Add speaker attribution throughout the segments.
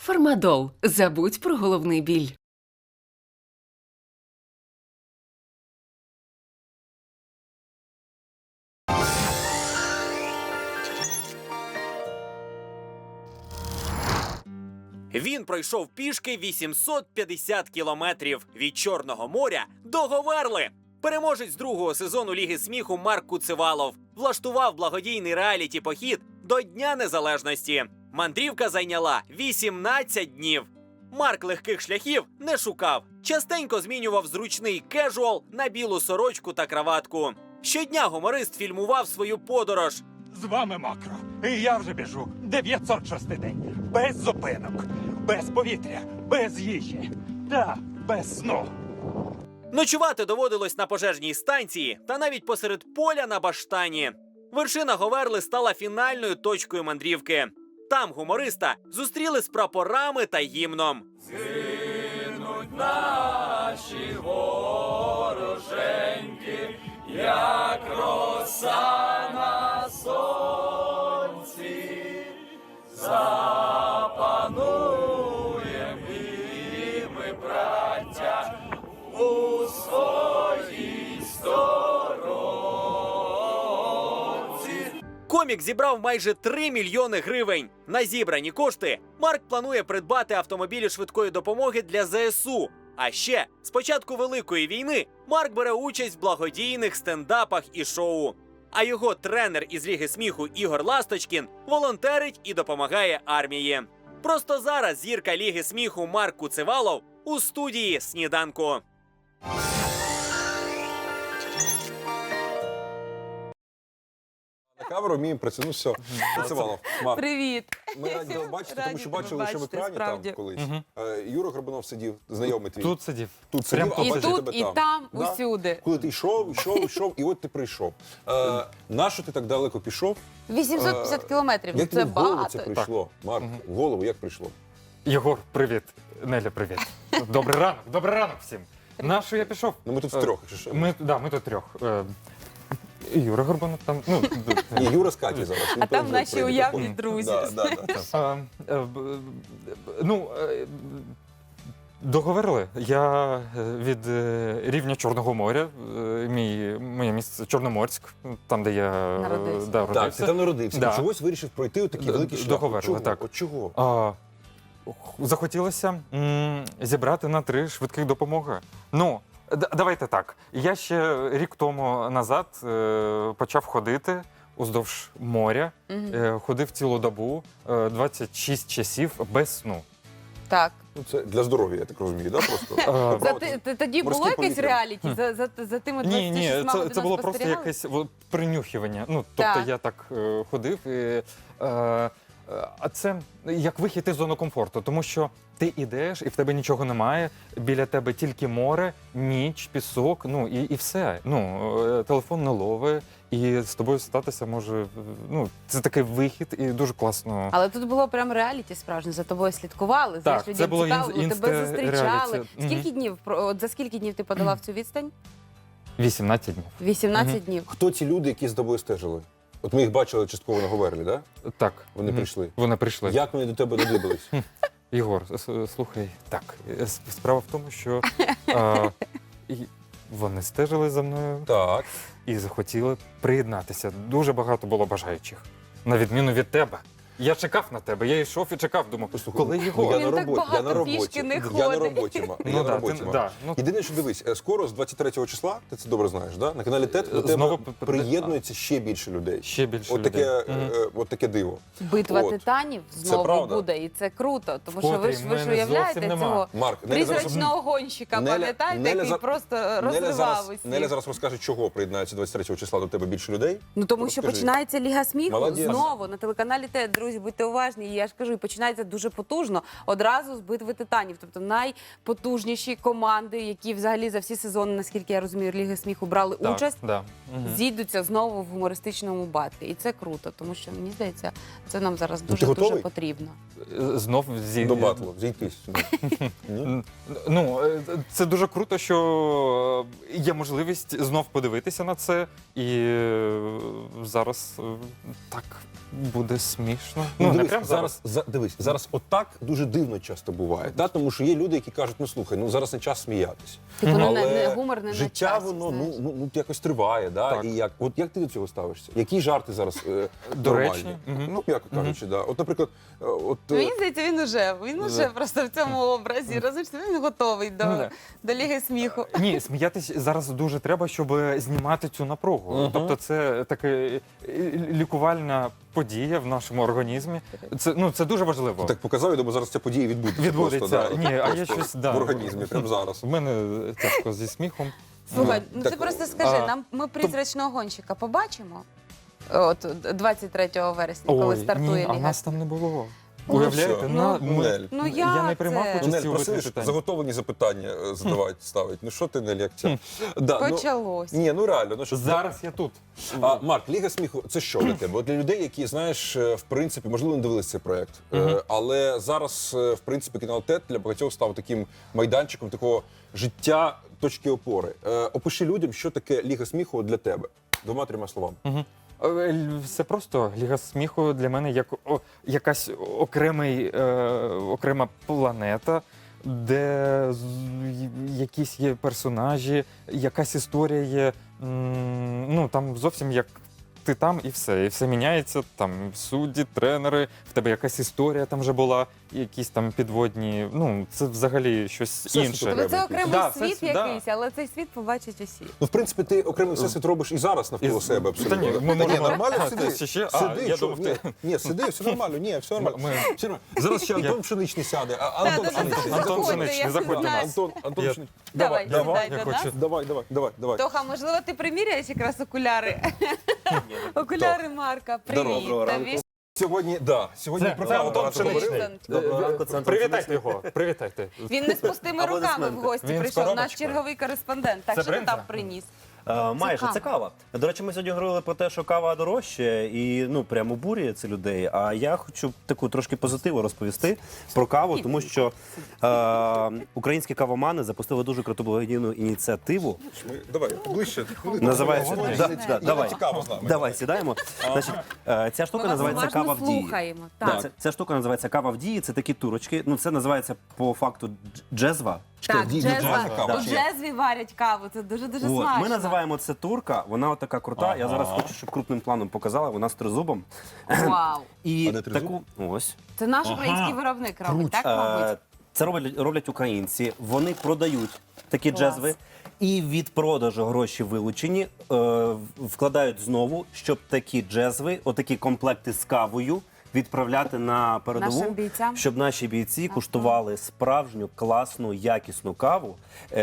Speaker 1: Фармадол. Забудь про головний біль.
Speaker 2: Він пройшов пішки 850 кілометрів від Чорного моря до Говерли. Переможець другого сезону Ліги сміху Марк Куцевалов влаштував благодійний реаліті-похід до Дня Незалежності. Мандрівка зайняла 18 днів. Марк легких шляхів не шукав. Частенько змінював зручний кежуал на білу сорочку та краватку. Щодня гуморист фільмував свою подорож.
Speaker 3: З вами Макро. І я вже біжу 906 день. Без зупинок, без повітря, без їжі та без сну.
Speaker 2: Ночувати доводилось на пожежній станції та навіть посеред поля на баштані. Вершина Говерли стала фінальною точкою мандрівки. Там гумориста зустріли з прапорами та гімном. Згинуть наші вороженьки, як роса на сонці. Запануєм і ми, браття, у своїй сторонці. Комік зібрав майже 3 мільйони гривень. На зібрані кошти Марк планує придбати автомобілі швидкої допомоги для ЗСУ. А ще з початку Великої війни Марк бере участь в благодійних стендапах і шоу. А його тренер із Ліги сміху Ігор Ласточкін волонтерить і допомагає армії. Просто зараз зірка Ліги сміху Марк Куцевалов у студії «Сніданку».
Speaker 4: На камеру вміємо працювати. Ну все, Куцевалов.
Speaker 5: Привіт.
Speaker 4: Ми раді вас бачити, тому що
Speaker 5: Раді
Speaker 4: бачили лише в
Speaker 5: бачити,
Speaker 4: екрані
Speaker 5: справді.
Speaker 4: там колись. Юра Горбунов сидів, знайомий твій.
Speaker 6: Тут сидів.
Speaker 4: Тут
Speaker 6: Прям
Speaker 4: сидів, а
Speaker 5: І
Speaker 4: бачив
Speaker 5: тут,
Speaker 4: тебе
Speaker 5: і там,
Speaker 4: Да?
Speaker 5: усюди.
Speaker 4: Коли ти йшов, і от ти прийшов. Нащо ти так далеко пішов?
Speaker 5: 850 кілометрів,
Speaker 4: Як
Speaker 5: це
Speaker 4: тобі в голову
Speaker 5: багато.
Speaker 4: це прийшло? Марк, в голову як прийшло?
Speaker 6: Єгор, привіт. Неля, привіт. Добрий ранок всім. На що я пішов?
Speaker 4: Ну ми тут втрьох, якщо що.
Speaker 6: Ми тут трьох. Юра Горбанов там.
Speaker 4: Ні, Юра з Каті зараз. Він
Speaker 5: А там
Speaker 4: теж
Speaker 5: наші
Speaker 4: прийде.
Speaker 5: уявні друзі.
Speaker 6: Договорили. Я від рівня Чорного моря, моє місце Чорноморськ, там, де я
Speaker 5: Народився.
Speaker 4: Так,
Speaker 6: родився.
Speaker 4: ти там народився.
Speaker 6: Да.
Speaker 4: І чогось вирішив пройти отакий великий шлях.
Speaker 6: Договорили,
Speaker 4: От чого?
Speaker 6: так.
Speaker 4: От чого?
Speaker 6: Захотілося зібрати на 3 швидких допомоги. Ну, давайте так. Я ще рік тому назад почав ходити уздовж моря, ходив цілу добу, 26 часів без сну.
Speaker 5: Так.
Speaker 4: Ну, це для здоров'я, я так розумію, да, просто?
Speaker 5: Тоді було
Speaker 4: Морське
Speaker 5: якесь
Speaker 4: повітря.
Speaker 5: реаліті за тими 26
Speaker 6: Ні,
Speaker 5: годинами
Speaker 6: це було просто
Speaker 5: спостерігали?
Speaker 6: якесь принюхування. Ну, тобто
Speaker 5: Так.
Speaker 6: я так ходив і... А це як вихід із зони комфорту, тому що ти ідеш і в тебе нічого немає, біля тебе тільки море, ніч, пісок, ну і все. Ну, телефон не ловить, і з тобою статися може, ну, це такий вихід і дуже класно.
Speaker 5: Але тут було прям реаліті справжнє, за тобою слідкували, знаєш,
Speaker 6: це
Speaker 5: людям
Speaker 6: було
Speaker 5: цікаво, тебе
Speaker 6: інста-реаліті.
Speaker 5: зустрічали.
Speaker 6: Мгм.
Speaker 5: Скільки днів, от за скільки днів ти подолав цю відстань?
Speaker 6: 18 днів.
Speaker 5: 18 днів.
Speaker 4: Хто ці люди, які з тобою стежили? От ми їх бачили частково на Говерлі, да?
Speaker 6: Так.
Speaker 4: Вони прийшли.
Speaker 6: Вони прийшли.
Speaker 4: Як вони до тебе додибались?
Speaker 6: Єгор, слухай, так, справа в тому, що і вони стежили за мною
Speaker 4: Так.
Speaker 6: і захотіли приєднатися. Дуже багато було бажаючих, на відміну від тебе. Я чекав на тебе, я йшов і чекав, думав,
Speaker 4: Послухай,
Speaker 6: коли
Speaker 4: ну,
Speaker 6: Єгор?
Speaker 4: я
Speaker 5: Він
Speaker 4: на
Speaker 5: так
Speaker 4: роботі, я на
Speaker 5: багато пішки
Speaker 4: роботі.
Speaker 5: не
Speaker 4: Я на
Speaker 5: ходить.
Speaker 4: роботі,
Speaker 6: Ну
Speaker 4: я на
Speaker 6: да,
Speaker 4: роботі.
Speaker 6: ти-
Speaker 4: Марк.
Speaker 6: да, ну-
Speaker 4: Єдине, що дивись, скоро з 23 числа, ти це добре знаєш, да? На каналі ТЕТ до
Speaker 6: Знову
Speaker 4: тебе приєднується ще більше людей.
Speaker 6: Ще більше
Speaker 4: От таке,
Speaker 6: людей. Мгм.
Speaker 4: от таке диво.
Speaker 5: Битва
Speaker 4: От.
Speaker 5: титанів
Speaker 4: Це
Speaker 5: знову
Speaker 4: правда.
Speaker 5: буде, і це круто, тому що
Speaker 6: Вкотрі
Speaker 5: ви ж
Speaker 6: мене
Speaker 5: уявляєте
Speaker 6: зовсім нема.
Speaker 5: цього
Speaker 4: Марк, Неля зараз,
Speaker 5: призрачного гонщика, пам'ятаєте, який
Speaker 4: Неля
Speaker 5: просто
Speaker 4: Неля
Speaker 5: розривав
Speaker 4: зараз,
Speaker 5: усіх.
Speaker 4: Неля зараз розкаже, чого приєднається 23 числа до тебе більше людей.
Speaker 5: Ну тому що
Speaker 4: Розкажи.
Speaker 5: починається Ліга сміху
Speaker 4: Молодець.
Speaker 5: знову на телеканалі ТЕТ. Друзі, будьте уважні. І я ж кажу, і починається дуже потужно. Одразу з битви титанів. Тобто найпотужніші команди, які взагалі за всі сезони, наскільки я розумію, Ліги сміху брали
Speaker 6: Так,
Speaker 5: участь,
Speaker 6: да. Мгм.
Speaker 5: зійдуться знову в гумористичному батлі. І це круто, тому що мені здається, це нам зараз
Speaker 4: ти
Speaker 5: дуже
Speaker 4: готовий?
Speaker 5: потрібно.
Speaker 6: Знов
Speaker 4: До батлу, зійтись. Ні?
Speaker 6: Ну, це дуже круто, що є можливість знов подивитися на це. І зараз так буде смішно. Ну, не
Speaker 4: дивись,
Speaker 6: прям зараз.
Speaker 4: дивись, зараз отак дуже дивно часто буває. Да? Тому що є люди, які кажуть, ну слухай, ну зараз не час сміятись.
Speaker 5: Типу, ну,
Speaker 4: Але
Speaker 5: не гумор не на
Speaker 4: життя,
Speaker 5: часі,
Speaker 4: воно
Speaker 5: знаєш.
Speaker 4: ну якось триває. Да?
Speaker 6: Так.
Speaker 4: І як ти до цього ставишся? Які жарти зараз
Speaker 6: Доречні.
Speaker 4: нормальні? Ну, м'яко кажучи, да. От, наприклад,
Speaker 5: Мені здається, він уже просто в цьому образі. Розумієш, він готовий
Speaker 6: да.
Speaker 5: до Ліги сміху.
Speaker 6: Ні, сміятись зараз дуже треба, щоб знімати цю напругу. Тобто це така лікувальна подія в нашому організмі. Це дуже важливо.
Speaker 4: так показав, я думаю, зараз ця подія відбудеться.
Speaker 6: Відбудеться.
Speaker 4: Просто, да.
Speaker 6: Ні, а я
Speaker 4: Просто
Speaker 6: щось, да.
Speaker 4: в організмі, прямо зараз.
Speaker 6: У мене тяжко зі сміхом.
Speaker 5: Слухай, ну ти
Speaker 4: так,
Speaker 5: просто скажи,
Speaker 6: а,
Speaker 5: ми призрачного гонщика побачимо? От 23 вересня, коли стартує
Speaker 6: ні, а
Speaker 5: Ліга.
Speaker 6: нас там не було.
Speaker 4: Ну,
Speaker 6: Уявляєте?
Speaker 4: все.
Speaker 6: Ми-
Speaker 5: Ну,
Speaker 6: я
Speaker 5: як
Speaker 6: не приймав
Speaker 5: це?
Speaker 6: участі
Speaker 4: Нель,
Speaker 6: у
Speaker 4: просили,
Speaker 6: вирішенні
Speaker 4: щоб
Speaker 6: питань.
Speaker 4: заготовлені запитання ставить. Ну що ти, Нель, як це? Да, ну,
Speaker 5: Почалось.
Speaker 4: ні, ну реально. Ну, що,
Speaker 6: Зараз я тут.
Speaker 4: Марк, Ліга сміху, це що для тебе? От для людей, які, знаєш, в принципі, можливо, не дивилися цей проект, але зараз, в принципі, канал ТЕТ для багатьох став таким майданчиком такого життя, точки опори. Опиши людям, що таке Ліга сміху для тебе. 2-3 словами.
Speaker 6: Все просто. Ліга сміху для мене як якась окрема планета, де якісь є персонажі, якась історія є. Ну там зовсім як ти там і все міняється. Там судді, тренери, в тебе якась історія там вже була, якісь там підводні. Ну це взагалі щось
Speaker 4: Все
Speaker 6: інше.
Speaker 4: супер.
Speaker 5: Тобто це окремий
Speaker 6: Да,
Speaker 5: світ
Speaker 6: це- да.
Speaker 5: якийсь, але цей світ побачать усі.
Speaker 4: Ну, в принципі, ти окремий всесвіт робиш і зараз навколо
Speaker 6: І-
Speaker 4: себе абсолютно.
Speaker 6: Та ні, ми
Speaker 4: Та ні,
Speaker 6: можемо-
Speaker 4: нормально,
Speaker 6: А,
Speaker 4: сиди.
Speaker 6: це ще?
Speaker 4: Сиди,
Speaker 6: Я
Speaker 4: що?
Speaker 6: думав, ти-
Speaker 4: Ні, сиди, все нормально, все нормально.
Speaker 6: Ми-
Speaker 4: Все нормально. Зараз ще Антон Пшеничний сяде. Антон
Speaker 5: да,
Speaker 4: Пшеничний.
Speaker 5: заходьте,
Speaker 6: Антон Пшеничний,
Speaker 5: я
Speaker 6: заходьте.
Speaker 5: знаю.
Speaker 4: Антон
Speaker 6: Я-
Speaker 4: Пшеничний.
Speaker 5: Давай,
Speaker 4: давай.
Speaker 5: сідай
Speaker 6: я
Speaker 5: до нас.
Speaker 6: хочу.
Speaker 4: Давай.
Speaker 5: Тоха, можливо, ти приміряєш якраз окуляри? Окуляри Марка. Привіт.
Speaker 4: Доброго
Speaker 5: Тобі.
Speaker 4: Сьогодні
Speaker 6: Це
Speaker 4: про каву
Speaker 6: Антон
Speaker 4: багато
Speaker 6: Пшеничний.
Speaker 4: говорили.
Speaker 7: Доброго ранку, це Антон
Speaker 6: Привітайте його, привітайте.
Speaker 5: Він не з пустими руками в
Speaker 7: Аплодисменти.
Speaker 5: гості
Speaker 6: Він з
Speaker 5: прийшов. Наш
Speaker 6: коробочкою.
Speaker 5: черговий кореспондент. Так,
Speaker 6: Це
Speaker 5: що ти
Speaker 6: бринза?
Speaker 5: там приніс?
Speaker 7: Майже
Speaker 5: кава.
Speaker 7: це кава. До речі, ми сьогодні говорили про те, що кава дорожче і ну прямо бурює це людей. А я хочу таку трошки позитиву розповісти про каву, тому що українські кавомани запустили дуже круту благодійну ініціативу.
Speaker 4: Давай, ближче.
Speaker 7: Називається давай.
Speaker 4: Цікаво з нами.
Speaker 7: Давай сідаємо. Значить, ця штука
Speaker 5: Ми вас
Speaker 7: називається
Speaker 5: уважно
Speaker 7: кава в дії.
Speaker 5: слухаємо.
Speaker 7: Да,
Speaker 5: Так.
Speaker 7: ця штука називається кава в дії. Це такі турочки. Ну це називається по факту джезва.
Speaker 5: Так,
Speaker 4: Джезва
Speaker 5: джезва.
Speaker 4: кава.
Speaker 5: У джезві варять каву. Це дуже-дуже
Speaker 7: От,
Speaker 5: смачно.
Speaker 7: ми називаємо це турка. Вона така крута. Я зараз хочу, щоб крупним планом показала. Вона з тризубом.
Speaker 5: Вау.
Speaker 7: І
Speaker 4: А де тризуб?
Speaker 7: таку ось.
Speaker 5: Це наш український виробник робить, так, мабуть?
Speaker 7: Це роблять українці. Вони продають такі
Speaker 5: Клас.
Speaker 7: джезви. І від продажу гроші вилучені вкладають знову, щоб такі джезви, отакі комплекти з кавою відправляти на передову,
Speaker 5: Нашим бійцям?
Speaker 7: щоб наші бійці куштували справжню, класну, якісну каву.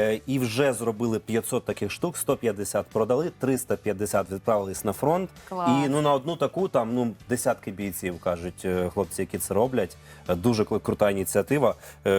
Speaker 7: І вже зробили 500 таких штук, 150 продали, 350 відправились на фронт.
Speaker 5: Клас.
Speaker 7: І ну на одну таку там ну десятки бійців, кажуть хлопці, які це роблять. Дуже крута ініціатива.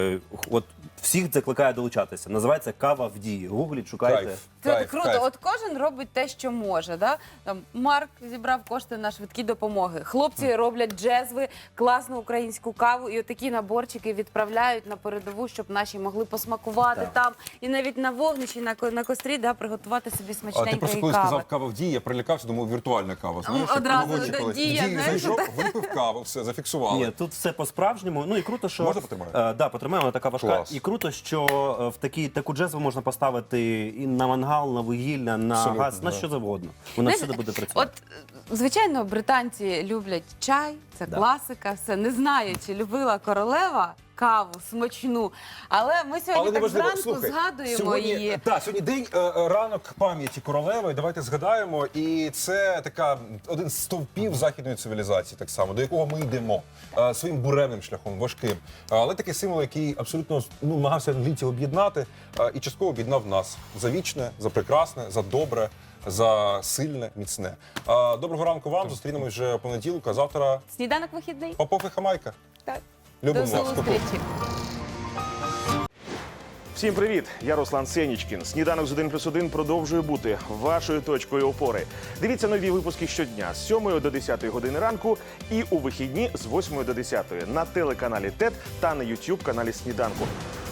Speaker 7: От всіх закликаю долучатися. Називається кава в дії. Гугліть, шукайте.
Speaker 4: Кайф.
Speaker 5: Це
Speaker 4: Кайф,
Speaker 5: круто.
Speaker 4: кайф.
Speaker 5: От кожен робить те, що може. Да? Там Марк зібрав кошти на швидкі допомоги. Хлопці роблять джезви, класну українську каву, і отакі наборчики відправляють на передову, щоб наші могли посмакувати
Speaker 7: Так.
Speaker 5: там і навіть на вогнищі, на кострі, да, приготувати собі
Speaker 4: А ти
Speaker 5: смачненької
Speaker 4: просто коли
Speaker 5: кави.
Speaker 4: сказав кава в дії, я прилякався, думав, віртуальна кава. Знаєш, як
Speaker 5: Одразу,
Speaker 4: в
Speaker 5: да,
Speaker 4: колись.
Speaker 5: Дія,
Speaker 4: В Дію
Speaker 5: знаєш,
Speaker 4: зайшов, випив каву, все, зафіксували.
Speaker 7: Ні, тут все по-справжньому. Ну і круто, що
Speaker 4: Можна потримаю?
Speaker 7: Да, потримаємо, вона така важка.
Speaker 4: Клас.
Speaker 7: І круто, що в таку джезву можна поставити і на мангал, на вугілля, на
Speaker 4: Абсолютно,
Speaker 7: газ, на
Speaker 4: да.
Speaker 7: що завгодно. Вона
Speaker 5: Знаєш,
Speaker 7: всюди буде працювати.
Speaker 5: От, звичайно, британці люблять чай, це
Speaker 7: Да.
Speaker 5: класика, все. Не знаю, чи любила королева каву смачну, але ми сьогодні так
Speaker 4: неважливо.
Speaker 5: зранку
Speaker 4: Слухай,
Speaker 5: згадуємо її.
Speaker 4: Сьогодні день ранок пам'яті королеви. Давайте згадаємо. І це один з стовпів західної цивілізації, так само, до якого ми йдемо своїм буремним шляхом, важким. Але такий символ, який абсолютно намагався англійців об'єднати і частково об'єднав нас за вічне, за прекрасне, за добре. За сильне, міцне. Доброго ранку вам. Зустрінемось вже понеділок, а завтра
Speaker 5: Сніданок вихідний.
Speaker 4: Попов і Хамайка.
Speaker 5: Так.
Speaker 4: Любимо
Speaker 5: До
Speaker 4: вас.
Speaker 5: зустрічі.
Speaker 8: Всім привіт! Я Руслан Сенічкін. Сніданок з 1+1 продовжує бути вашою точкою опори. Дивіться нові випуски щодня з 7 до 10 години ранку і у вихідні з 8 до 10 на телеканалі ТЕТ та на YouTube каналі Сніданку.